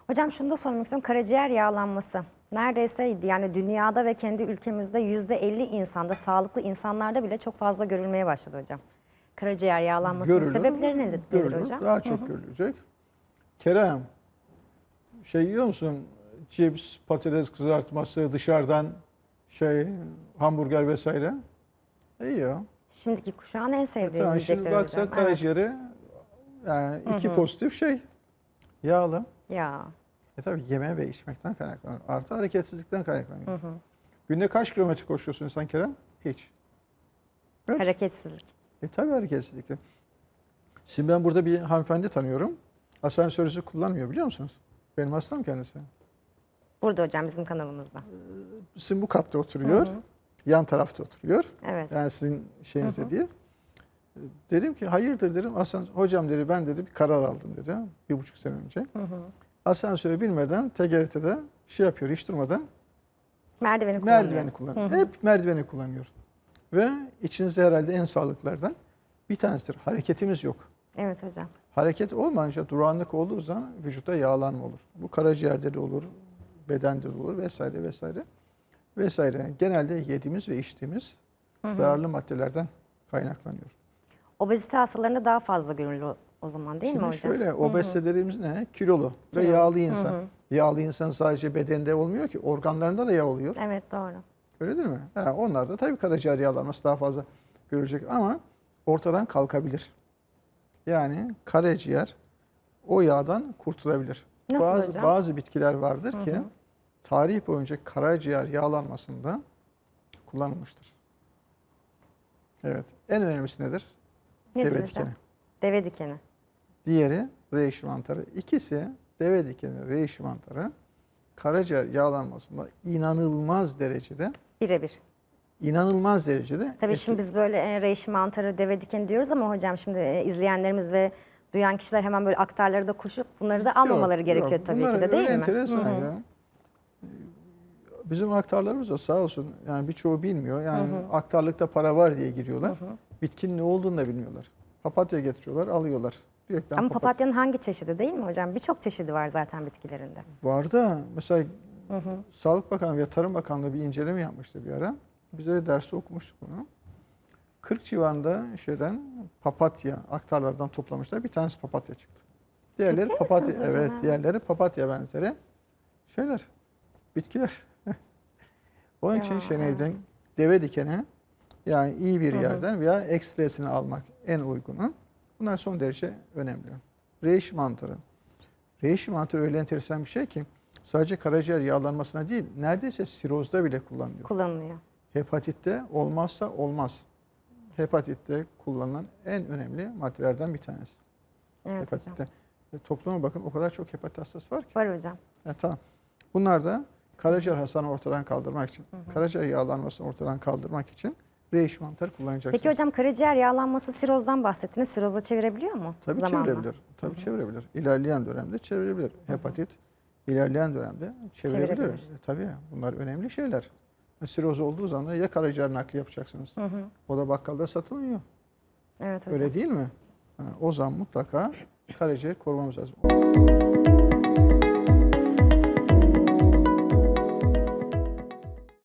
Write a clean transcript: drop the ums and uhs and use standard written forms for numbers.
Hocam şunu da sormak istiyorum. Karaciğer yağlanması. Neredeyse yani dünyada ve kendi ülkemizde %50 insanda, sağlıklı insanlarda bile çok fazla görülmeye başladı hocam. Karaciğer yağlanmasının Görülür, sebepleri nedir görülür. hocam? Daha çok görülecek. Kerem, şey yiyor musun? Cips, patates kızartması, dışarıdan hamburger vesaire. Yiyor. Şimdiki kuşağın en sevdiği Tamam, şimdi yiyecekler baksa hocam. karaciğeri yani iki pozitif yağlı. Ya. Tabii yeme ve içmekten kaynaklanıyor. Artı hareketsizlikten kaynaklanıyor. Günde kaç kilometre koşuyorsun sen Kerem? Hiç. Evet. Hareketsizlik. Tabii hareketsizlik. Şimdi ben burada bir hanımefendi tanıyorum. Asansörü kullanmıyor, biliyor musunuz? Benim hastam kendisi. Burada hocam bizim kanalımızda. Sizin bu katta oturuyor. Yan tarafta oturuyor. Evet. Yani sizin şeyinizde değil. Dedim ki hayırdır dedim. Hocam dedi, ben dedi bir karar aldım dedi. 1,5 sene önce. Asansöre binmeden TGRT'de yapıyor, hiç durmadan. Merdiveni kullanıyor. Hep merdiveni kullanıyor. Ve içinizde herhalde en sağlıklardan bir tanesidir. Hareketimiz yok. Evet hocam. Hareket olmayınca, durağanlık olduğu zaman vücutta yağlanma olur. Bu karaciğerde de olur, bedende de olur vesaire vesaire. Vesaire. Genelde yediğimiz ve içtiğimiz zararlı maddelerden kaynaklanıyor. Obezite hastalarında daha fazla görülüyor o zaman değil mi hocam? Şimdi şöyle, obezite dediğimiz ne? Kilolu ve yağlı insan. Yağlı insan sadece bedende olmuyor ki, organlarında da yağ oluyor. Evet, doğru. Öyle değil mi? Onlar da tabii karaciğer yağlanması daha fazla görecek ama ortadan kalkabilir. Yani karaciğer o yağdan kurtulabilir. Nasıl hocam? Bazı bitkiler vardır ki tarih boyunca karaciğer yağlanmasında kullanılmıştır. Evet. En önemlisi nedir? Nedir Deve hocam? dikeni. Deve dikeni. Diğeri reishi mantarı. İkisi, deve dikeni, reishi mantarı, karaciğer yağlanmasında inanılmaz derecede Birebir. Tabii Şimdi biz böyle reishi mantarı, deve dikeni diyoruz ama hocam şimdi izleyenlerimiz ve duyan kişiler hemen böyle aktarları da koşup bunları da almamaları gerekiyor tabii ki de, değil mi? Enteresan ya. Bizim aktarlarımız da sağ olsun, yani birçoğu bilmiyor. Yani aktarlıkta para var diye giriyorlar. Bitkinin ne olduğunu da bilmiyorlar. Papatya getiriyorlar, alıyorlar. Diyor ki, Ama papatyanın hangi çeşidi değil mi hocam? Birçok çeşidi var zaten bitkilerinde. var da mesela Sağlık Bakanlığı ve Tarım Bakanlığı bir inceleme yapmıştı bir ara. Biz de derste okumuştuk bunu. 40 civarında papatya aktarlardan toplamışlar. Bir tanesi papatya çıktı. Diğerleri Ciddi papatya, misiniz hocam? evet, diğerleri papatya benzeri bitkiler. Onun için deve dikeni, yani iyi bir yerden veya ekstresini almak en uygunu. Bunlar son derece önemli. Reishi mantarı. Reishi mantarı öyle enteresan bir şey ki sadece karaciğer yağlanmasına değil, neredeyse sirozda bile kullanılıyor. Hepatitte olmazsa olmaz. Hepatitte kullanılan en önemli maddelerden bir tanesi. Evet Hepatitte. hocam. Topluma bakın, o kadar çok hepatit hastası var ki. Var hocam. Tamam. Bunlar da karaciğer hastalığını ortadan kaldırmak için, karaciğer yağlanmasını ortadan kaldırmak için reishi mantarı kullanacaksınız. Peki hocam karaciğer yağlanması, sirozdan bahsettiniz. Siroza çevirebiliyor mu? Tabii zamanla? çevirebilir. Tabii çevirebilir. İlerleyen dönemde çevirebilir. Hepatit ilerleyen dönemde çevirebilir. Tabii bunlar önemli şeyler. Siroz olduğu zaman ya karaciğer nakli yapacaksınız. O da bakkalda satılmıyor. Evet hocam. Öyle değil mi? O zaman mutlaka karaciğer korumamız lazım.